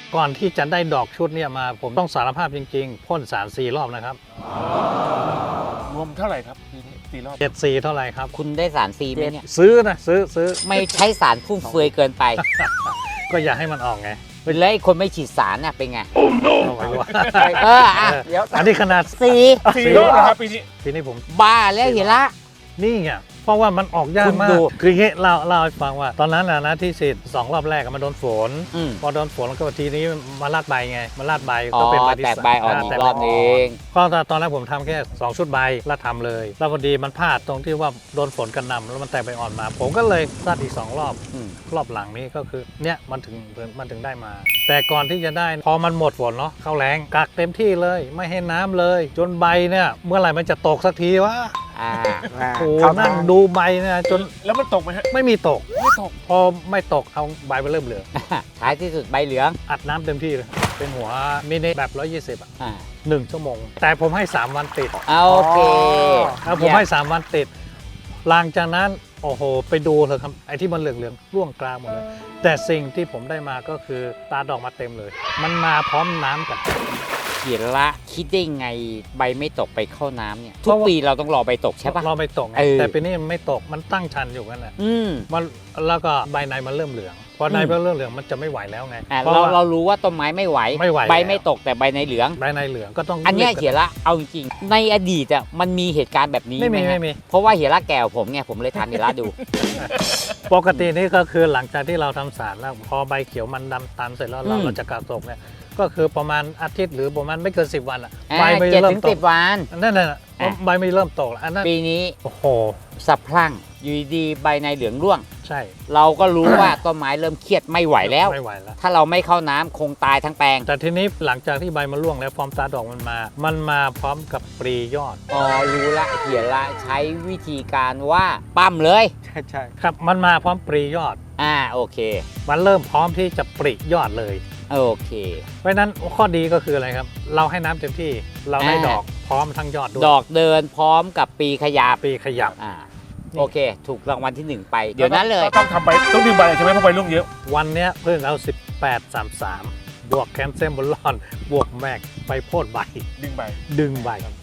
ก่อนที่จะได้ดอกชุดเนี่ยมาผมต้องสารภาพจริงๆพ่นสาร4 รอบนะครับรวมเท่าไหร่ครับปีนี้4 รอบ 74เท่าไหร่ครับคุณได้สารฟรีไหมเนี่ยซื้อนะซื้อไม่ใช้สารฟุ่มเฟือยเกินไปก็อย่าให้มันออกไงแล้วไอ้คนไม่ฉีดสารน่ะเป็นไงเอาไว้ว่าเดี๋ยวอันนี้ขนาด 4 รอบนะครับปีนี้ทีนี้ผมบ้าแล้วเห็นละนี่ไงเพราะว่ามันออกยากคุณมากดูคืออย่างงี้เล่าให้ฟังว่า ตอนนั้นนะที่ฉีด2 รอบแรกมันโดนฝนอืมพอโดนฝนแล้วก็ทีนี้มาลาดใบไงมาลาดใบอ๋อก็เป็นใบที่แตกใบอ่อนอีกรอบนึงก็ตอนแรกผมทำแค่2 ชุดใบแล้วทำเลย แล้วพอดีมันพลาดตรงที่ว่าโดนฝนกระหน่ำแล้วมันแตกใบอ่อนมา ผมก็เลยลาดอีก2 รอบอืมรอบหลังนี้ก็คือเนี่ยมันถึงได้มา แต่ก่อนที่จะได้พอมันหมดฝนเนาะเข้าแรงกักเต็มที่เลย ไม่ให้น้ำเลย จนใบเนี่ยเมื่อไหร่มันจะตกสักทีวะอ่าโอ้นั่งดูใบเนี่ยจนแล้วมันตกไหมฮะไม่มีตกไม่ตกพอไม่ตกเอาใบไปเริ่มเหลืองท้ายที่สุดใบเหลืองอัดน้ำเต็มที่เลย เป็นหัวมินิแบบ 120 อ่ะอ่า 1 ชั่วโมง แต่ผมให้ 3 วันติดโอเคแล้วผมให้ 3 วันติด หลังจากนั้น โอ้โห ไปดูเถอะครับ ไอ้ที่มันเหลืองๆร่วงกลางหมดเลย แต่สิ่งที่ผมได้มาก็คือตาดอกมาเต็มเลย มันมาพร้อมน้ำกันเขียนละคิดได้ไงใบไม่ตกไปเข้าน้ำเนี่ย ทุกปีเราต้องรอใบตกใช่ปะเราไม่ตกไงเออแต่ปีนี้มันไม่ตก มันตั้งชันอยู่กันแหละอืมมันแล้วก็ใบในมันเริ่มเหลือง พอในมันเริ่มเหลืองมันจะไม่ไหวแล้วไงอ่าเพราะเราว่าเรารู้ว่าต้นไม้ไม่ไหวไม่ไหวใบแล้วไม่ตกแต่ใบในเหลืองใบในเหลืองก็ต้องอันเนี้ยรีบเขียนละเอาจริงๆในอดีตอ่ะมันมีเหตุการณ์แบบนี้ไม่มีหฮะไม่มีเพราะว่าเหียระแก่กว่าผมไงผมเลยทำเหียระดูปกตินี่ก็คือหลังจากที่เราทำสารแล้วพอใบเขียวมันดำตันเสร็จแล้วเราอืมเราจะกักตกเนี่ยก็คือประมาณอาทิตย์หรือประมาณไม่เกิน10 วันอ่ะอ่าใบไม่ 7 เริ่ถึมงต 10 กวันนั่นน่ะอ่ะใบไม่เริ่มตกแล้วอันนั้นปีนี้โอ้โหสะพรั่งอยู่ดีๆใบในเหลืองร่วงใช่เราก็รู้ว่าต้นไม้เริ่มเครียดไม่ไหวแล้วไม่ไหวแล้วถ้าเราไม่เข้าน้ำคงตายทั้งแปลงแต่ทีนี้หลังจากที่ใบมันร่วงแล้วฟอร์มตาดอกมันมาพร้อมกับปรียอดอ๋อรู้ละเขียนละใช้วิธีการว่าปั้มเลยใช่ครับมันมาพร้อมปรียอดโอเคมันเริ่มพร้อมที่จะปริยอดเลยโอเคเพราะฉะนั้นข้อดีก็คืออะไรครับ เราให้น้ำเต็มที่เราได้อ่าดอกพร้อมทั้งยอดด้วยดอกเดินพร้อมกับปีขยับปรีขยับโอเค ถูกรางวัลที่ 1 ไป เดี๋ยวนั้นเลยต้องทำใบต้องดึงใบเลยใช่ไหมเพราะใบร่วงเยอะวันเนี้ยเพิ่งเอา 1833 บวกแคลเซียมบอลลอน บวกแมกไปโพดใบดึงใบดึงใบ